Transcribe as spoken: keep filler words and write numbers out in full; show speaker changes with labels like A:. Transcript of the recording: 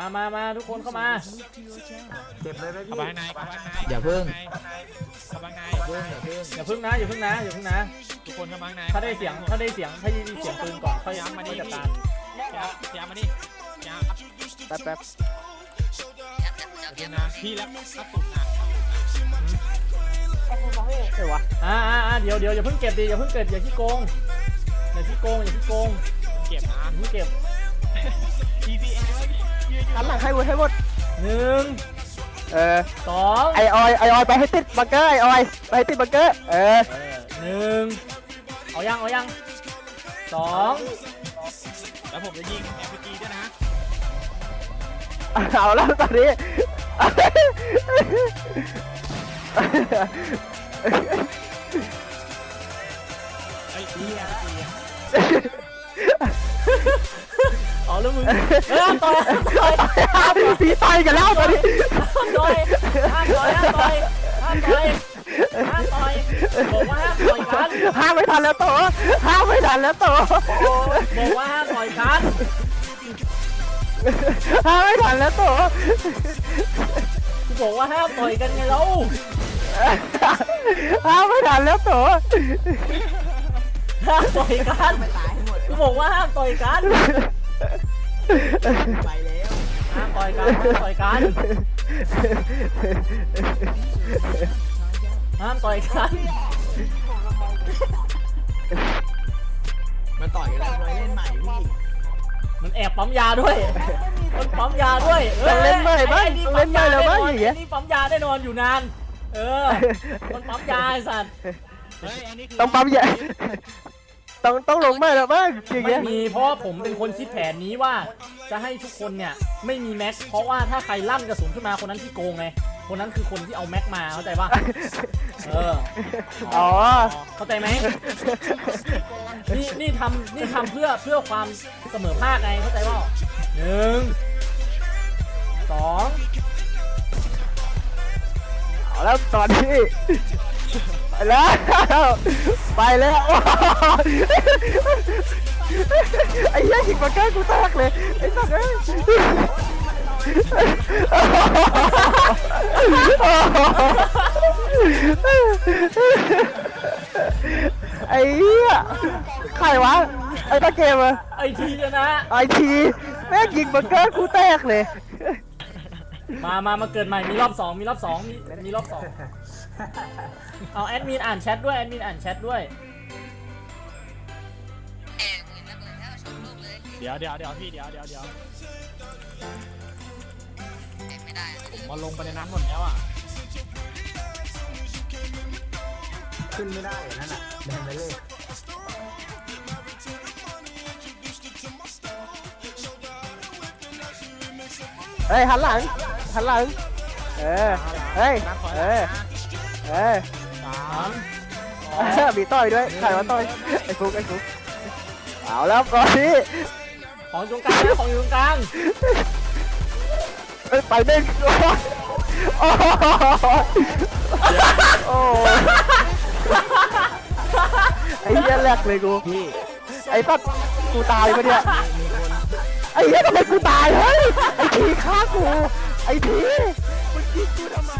A: มามาทุกคนเข้ามา
B: เจ็บเลยไหมพี่
C: อย่าเพิ่ง
A: อย่าพึ่งนะอย่าพึ่งนะอย่าพึ่งนะ
D: ทุกคนเข้ามาใน
A: ถ้าได้เสียงถ้าได้เสียงถ้าได้เสียงปืนก่อนค่อยย้ำมาดิจัดการ
D: ย้ำมาดิย้ำ
C: แป๊บแป๊บ
D: นะพี่แล้วครับสุดนะ
C: ใช่วะ
A: อ่าอ่าเดี๋ยวเดี๋ยวอย่าเพิ่งเก็บดิอย่าเพิ่งเก็บอย่าขี้โกงอย่าขี้โกงอย่าขี้โกง
D: เก็บนะ
A: อย่าเพิ่งเก็บ
D: ที พี เอ
C: หันหลังให้หมดให้หมด
A: หนึ่ง
C: เออ
A: สอง
C: ไอออยไอออยไปให้ติดบังเกอร์ไอออยไปให้ติดบังเกอร์เออ
A: หนึ่งเอายังเอายังสอง
D: แล้วผมจะยิงแอร์พีจีด้วยนะ
C: เอาแล้วตอนนี้
D: ไอ้พี่แอร์พีจี
A: อ๋อแล้วมึงเฮ้ยต่อยต่อย
C: พี่ต่อยกันแล้วตอนนี้
A: ต่อยห้ามต่อยห้ามต่อยห้ามต่อยห้ามต่อยบอกว่าห้ามต่อยกัน
C: ห้ามไม่ทันแล้วโตห้ามไม่ทันแล้วโต
A: บอกว่าห้ามต่อยกัน
C: ห้ามไม่ทันแล้วโต
A: กูบอกว่าห้ามต่อยกันไงเรา
C: ห้ามไม่ทันแล้วโต
A: ห้ามต่อยกันกูบอกว่าห้ามต่อยกัน
C: ไปแล้ว
A: ห้ามต่อยกันห้ามต่อยกันห้ามต่อยกัน
C: มันต่อยกันแล้วเลยเล่นใหม่พี่
A: มันแอบปั๊มยาด้วยมันปั๊มยาด้วย
C: เล่นใหม่บ้างเล่นใหม่แล้วบ้างอย่างเงี้ย
A: นี่ปั๊มยาได้นอนอยู่นานเออมันปั๊มยาไอ้สัตว์
C: ต้องปั๊มยาต้องต้องลงไม่แล้วบ้างอย่างเงี้
A: ยไม่มีเพราะผมเป็นคนคิดแผนนี้ว่าจะให้ทุกคนเนี่ยไม่มีแม็กเพราะว่าถ้าใครลั่นกระสุนขึ้นมาคนนั้นที่โกงไงคนนั้นคือคนที่เอาแม็กมาเข้าใจป่ะเออ
C: อ๋อ
A: เข้าใจไหมนี่นี่ทำนี่ทำเพื่อเพื่อความเสมอภาคไงเข้าใจป่ะหนึ่งสอง
C: เอาแล้วตอนนี้ไปแล้วไปแล้วไอ้ยักษ์หิงมาใกล้กูแตกเลยไอ้สัตว์เอ้ยไอ้เหี้ยใครวะไอ้ตะเกมอะ
A: ไอทีนะ
C: ไอทีแม่งยิงมาใกล้กูแตกเลย
A: มามามาเกิดใหม่มีรอบสองมีรอบสองมีมีรอบสองเอาแอดมินอ่านแชทด้วยแอดมินอ่านแชทด้วย
D: เดี๋ยวเดี๋ยวเดี๋ยวพี่เดี๋ยวเดี๋ยวเดี๋ยวผมมาลงไปในนั้นหมดแล้วอ่ะ
B: ขึ้นไม่ได้นั่นแหละแดงไปเลย
C: เฮ้ยหันหลังหันหลังเออเฮ้ยเออเออสามมีต่อยด้วยใครมาต่อยไอ้ฟุกไอ้ฟุกเอาแล้วก่อนนี้
A: ของอยู่ตรงกลางของอยู่ตรงกลาง
C: ไปเด้งโอ้โอ้ไอ้เหี้ยแรกเลยกูไอ้ตัดกูตายปะเนี่ยไอ้เหี้ยทำไมกูตายเฮ้ยไอ้ทีฆ่ากูไอ้ทีมึงยิงกูทำไม